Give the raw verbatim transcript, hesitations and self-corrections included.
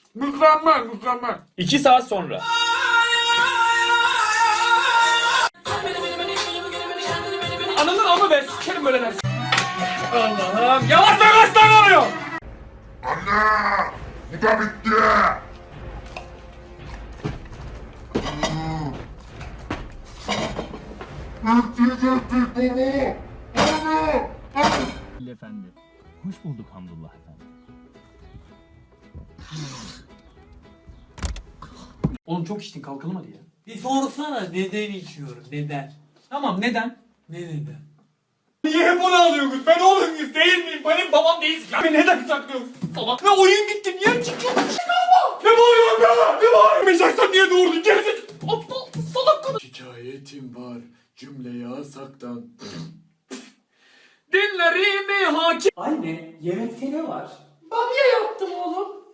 Mükemmel mükemmel. İki saat sonra. Ananın amı be, sikerim böyle dersin. Allah'ım, yavaş lan kaç tane oluyor? Anne! Bu da bitti. Ettik ettik baba. Anne! Efendi. Hoş bulduk Hamdullah efendi. Oğlum çok içtin, kalkalım hadi ya. Bir sorsana neden içiyorum neden? Tamam, neden? Ne neden? Niye hep onu alıyorsunuz? Ben oğlum muyuz değil miyim? Benim babam değilsin ya. Beni neden saklıyorsun? Salak. Ve oyun gitti. Niye çıkıyorsun? Çıkama. Ne bağırıyorsun be? Ne bağırıyorsun? Mecaksan niye doğurdun? Gerizek. Aptal. Salak kadın. Şikayetim var cümleyi asaktan. Dinlerimi hakim. Anne yemekte ne var? Bamya yaptım oğlum.